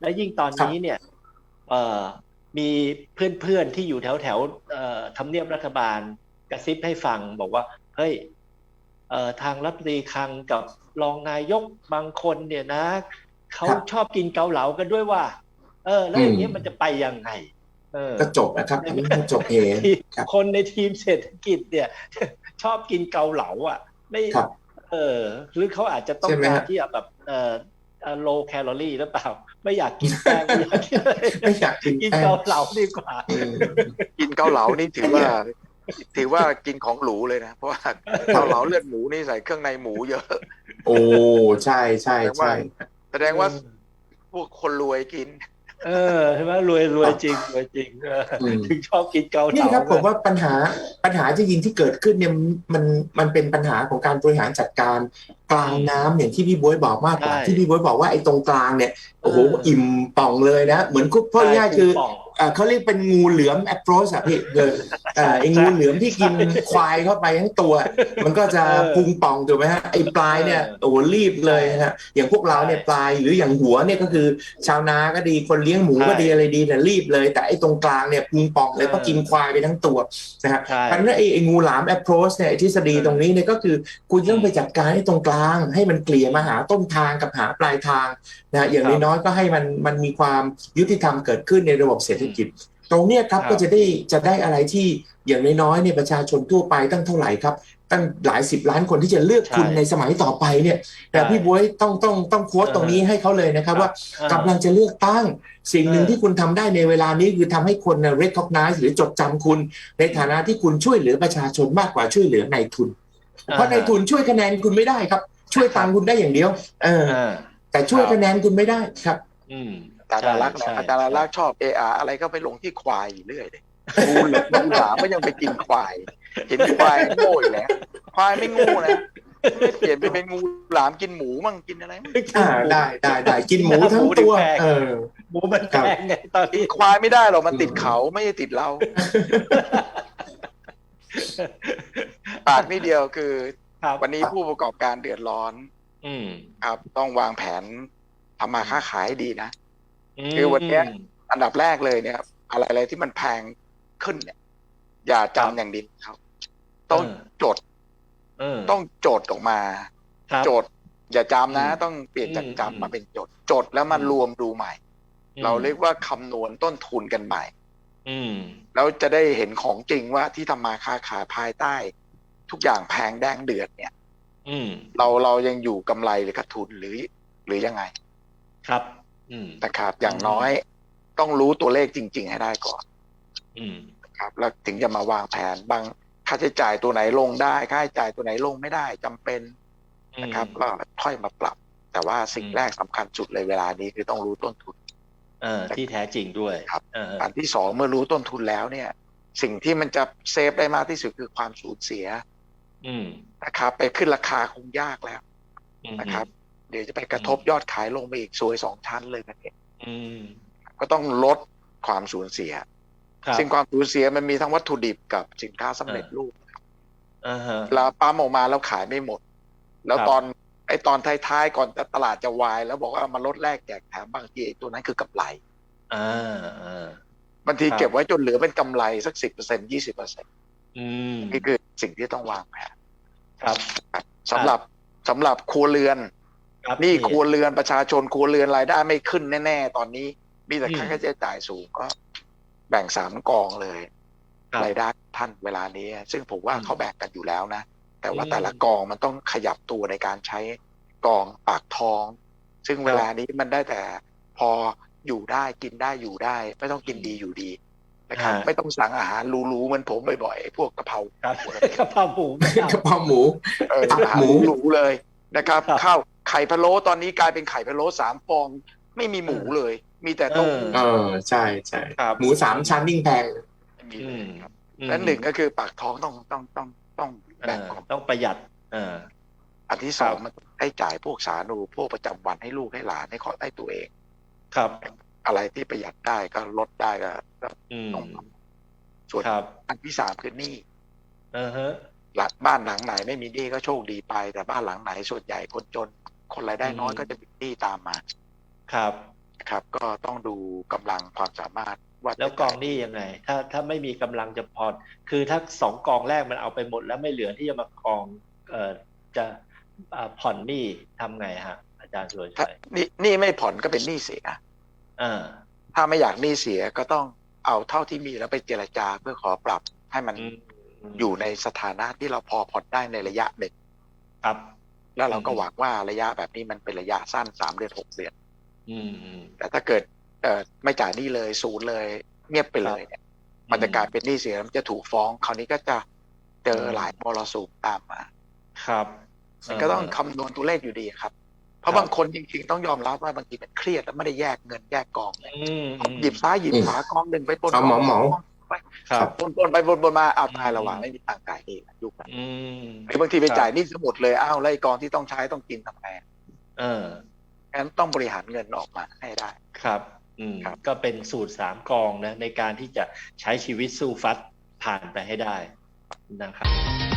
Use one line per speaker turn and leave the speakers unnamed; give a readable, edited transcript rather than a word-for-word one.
และยิ่งตอน
ครับ
นี้เนี่ยเอ่อมีเพื่อนๆที่อยู่แถวแถวทำเนียบรัฐบาลกระซิบให้ฟังบอกว่าเฮ้ยทางรัฐมนตรีคลังกับรองนายกบางคนเนี่ยนะเขา
ครับ
ชอบกินเกาเหลากันด้วยว่าแล้ว
อืม
อย่างนี้ยมันจะไปยังไงเออ
ก็จบนะครับ
ใน
อันนี้
เมื่อ
ก็จบเฮ
ทีม
ครับ
คนในทีมเศรษฐกิจเนี่ยชอบกินเกาเหลาอ่ะไม่
ครับ
เออหรือเขาอาจจะต้องการ
ใช่ไหมฮะ
ที่จะแบบโลแคลอรี่หรือเปล่าไม่อยากกินแป้งไม่อยากกินอะไร
ไม่อยากกิน
กิน
แป้ง
เกาเหลาดีกว่า
อืม
กินเกาเหลานี่ถือว่า
เนี่ย
กินของหรูเลยนะเพราะว่าเกาเหลาเลือดหมูนี่ใส่เครื่องในหมูเยอะ
โอ้ใช่ใช่
แสดงว่า
ใช่
แสดงว่าพวกคนรวยกิน
ใช่ไหมรวยจริงรวยจริง
อืม
ถึงชอบกินเกาเหลา
นี่ครับผม
นะ
ว่าปัญหาจริงๆที่เกิดขึ้นเนี่ยมันมันเป็นปัญหาของการบริหารจัดการกลางน้ำอย่างที่พี่บ๊วยบอกมากกว่า
ใช่
ที่พี่บ๊วยบอกว่าไอ้ตรงกลางเนี่ย
เอ
โอ้โห
อ
อิ่มป่องเลยนะเหมือนคุกพ่อ
ใช่
ง่ายๆคือ
พุงป่อง
เขาเรียกเป็นงูเหลือม approach อะพี่
ใช่
ไอ้
ใช่
งูเหลือมที่กิน
ใช่
ควายเข้าไปทั้งตัวมันก็จะ
เอ
พุง
อ
ป่องถูกไหมฮะไอ้ปลา
เอ
ยเนี่ย
อ
โอ้โหรีบเล
ใช่
ยนะฮะอย่างพวกเรา
ใช่
เนี่ยปลายหรืออย่างหัวเนี่ยก็คือชาวนาก็ดีคนเลี้ยงหมู
ใช่
ก็ดีอะไรดีเนี่ยรีบเลยแต่ไอ้ตรงกลางเนี่ยพุงป่อง
เอ
เลยเพราะกินควายไปทั้งตัว นะฮะ
ใช่
เพราะฉะนั้นไอ้งูหลาม approach เนี่ยทฤษฎี
เออ
ตรงนี้เนี่ยก็คือคุณ
อืม
ต้องไปจัดการให้ตรงกลางให้มันเกลี่ย
อืม
มาหาต้นทางกับหาปลายทางนะฮะอย่าง
ครับ
น้อยๆก็ให้มันมีความยุติธรรมเกิดขึ้นในระบบเศรษฐ
อืม
กิจตรงเนี้ยครับ
ครับ
ก็จะได้อะไรที่อย่างน้อยๆเนี่ยประชาชนทั่วไปตั้งเท่าไหร่ครับตั้งหลายสิบล้านคนที่จะเลือก
ใช่
คุณในสมัยต่อไปเนี่ยแต่
ใช่
พี่บ๊วยต้องโค้ดตรง
เออ
นี้ให้เขาเลยนะค
ครับ
รับว่า
เออ
กำลังจะเลือกตั้งสิ่ง
เอ
หนึ่ง
อ
ที่คุณทำได้ในเวลานี้คือทำให้คน recognize หรือจดจำคุณใน
อืม
ฐานะที่คุณช่วยเหลือประชาชนมากกว่าช่วยเหลือนายทุน เพราะนาย
อ่าฮะ
ทุนช่วยคะแนนคุณไม่ได้ครับช่วย
ครับ
ตังค์คุณได้อย่างเดียวเออ
อ่า
แต่
ครับ
ช่วยคะแนนคุณไม่ได้ครับ
อืม
อาจารย์
ใช่
อารักษ์นะ
ใช่
อาจารย์อา
ใช่
รักษ์ชอบอะไรก็ไปลงที่ควายอยู่เรื่อยเลยงูหลามก็ยังไปกินควายเห็นควายโง่อยู่แล้วควายไม่โง่นะไม่เปลี่ยนไปเป็นงูหลามกินหมูมั่งกินอะไรมั่ง
กินหมู
ได้กินหมู
หน้าหมู
ทั้งตัว
ถึงแพง
เออ
หมูมันแพ
ครับ
งไงตอน
กิน
นี้
ควายไม่ได้หรอกมันติดเขาไม่ใช่ติดเราปากนิดเดียวคือ
ครับ
วันนี้ผู้ประกอบการเดือดร้อน
อืม
ครับต้องวางแผนทำมาค้าขายให้ดีนะ
อื
คือวันเนี้ย
ม
อันดับแรกเลยเนี่ยอะไรที่มันแพงขึ้นเนี่ยอย่า
ครับ
จำอย่างเดียวครับต้องจด
เออ
ต้องจดออกมา
ครับ
จดอย่าจำนะ
อืม
ต้องเปลี่ยนจาก
อืม
จำมาเป็นจดจดแล้วมารวมดูใหม่ เราเรียกว่าคำนวณต้นทุนกันใหม่
อืม
แล้วจะได้เห็นของจริงว่าที่ทำมาค้าขายภายใต้ ทุกอย่างแพงแดงเดือดเนี่ย
อืม
เรายังอยู่กำไรหรือขาดทุนหรือยังไง
ครับอืม
นะครับ อย่างน้อยต้องรู้ตัวเลขจริงๆให้ได้ก่อน
อืม
ครับแล้วถึงจะมาวางแผนบางค่าใช้จ่ายตัวไหนลงได้ค่าใช้จ่ายตัวไหนลงไม่ได้จำเป็นนะครับก็ค่อยมาปรับ แต่ว่าสิ่งแรกสำคัญสุดเลยเวลานี้คือต้องรู้ต้นทุน
ที่แท้จริงด้วย
ครับอันที่สองเมื่อรู้ต้นทุนแล้วเนี่ยสิ่งที่มันจะเซฟได้มากที่สุดคือความสูญเสียนะครับไปขึ้นราคาคงยากแล้วนะครับเดี๋ยวจะไปกระทบยอดขายลงไปอีกซวย2 ชั้นเลยนะเนี่ยก็ต้องลดความสูญเสียซึ่งความสูญเสียมันมีทั้งวัตถุดิบกับสินค้าสำเร็จรูปแล้วปั๊มออกมาแล้วขายไม่หมดแล้วตอนท้ายๆก่อนตลาดจะวายแล้วบอกว่ามาลดแลกแจกแถมบางทีตัวนั้นคือกำไรบางทีเก็บไว้จนเหลือเป็นกำไรสัก10% 20%นี่คือสิ่งที่ต้องวางแผน
ครับ
สำหรับครัวเรือนนี่ครัวเรือนประชาชนครัวเรือนรายได้ไม่ขึ้นแน่ๆตอนนี้มีแต่ค่าใช้จ่ายสูงก็แบ่ง3 กองเลยรายได้ท่านเวลานี้ซึ่งผมว่าเขาแบ่งกันอยู่แล้วนะแต่ว่าแต่ละกองมันต้องขยับตัวในการใช้กองปากท้องซึ่งเวลานี้มันได้แต่พออยู่ได้กินได้อยู่ได้ไม่ต้องกินดีอยู่ดีนะครับไม่ต้องสั่งอาหารหรูๆเหมือนผมบ่อยๆพวกกะเพราก
ะเพราหมู
กระเพราหมู
ตับหมูหรูเลยนะครับข้าวไข่พะโล้ตอนนี้กลายเป็นไข่พะโล้3 ฟองไม่มีหมูเลยมีแต่เต้าหู้
ใช่หมู3 ชั้นยิ่งแพง
มีเลยครับและหนึ่งก็คือปากท้องต้องแบ่ง
ต้องประหยัด
อันที่2มันให้จ่ายพวกสาธารณูปโภคประจำวันให้ลูกให้หลานให้ขอได้ตัวเอง
ครับ
อะไรที่ประหยัดได้ก็ลดได้ก็ต้องส่วนอันที่3คือหนี้บ้านหลังไหนไม่มีหนี้ก็โชคดีไปแต่บ้านหลังไหนส่วนใหญ่คนจนคนรายได้น้อยก็จะมีหนี้ตามมา
ครับ
นะครับ ก็ต้องดูกำลังความสามารถว่า
แล้วกองหนี้ยังไง ถ้าไม่มีกำลังจะพอคือถ้า2 กองแรกมันเอาไปหมดแล้วไม่เหลือที่จะมากองจะผ่อนหนี้ทำไงฮะอาจารย์สุร
ถ้า
ชัย
หนี้ไม่ผ่อนก็เป็นหนี้เสีย
อ่า
ถ้าไม่อยากหนี้เสียก็ต้องเอาเท่าที่มีแล้วไปเจรจาเพื่อขอปรับให้มันอยู่ในสถานะที่เราพอผ่อนได้ในระยะหนึ่ง
ครับ
แล้วเราก็หวังว่าระยะแบบนี้มันเป็นระยะสั้น3 เดือน 6 เดือน
อืม
แต่ถ้าเกิดไม่จ่ายหนี้เลยศูนย์เลยเงียบไปเลยเนี่ยมันจะกลายเป็นหนี้เสียแล้วมันจะถูกฟ้องคราวนี้ก็จะเจอหลายมรสุมตามมา
ครับ
มันก็ต้องคำนวณตัวเลขอยู่ดีครับ เพราะบางคนจริงๆต้องยอมรับว่าบางทีมันเครียดแล้วไม่ได้แยกเงินแยกกองเลยหยิบซ้ายหยิบขวากองหนึ่งไปปน
เอาเหมา
ครับ
ปนไปปนมาเอาตายระหว่างไม่มีตังค์จ่ายเองยุคนั้น หรือบางทีไปจ่ายหนี้สมุดเลยอ้าวแล้วไอ้กองที่ต้องใช้ต้องกินทำไงงั้นต้องบริหารเงินออกมาให้ได้
ครับ
ครับ
ก็เป็นสูตร3 กองนะในการที่จะใช้ชีวิตสู้ฟัดผ่านไปให้ได้นะครับ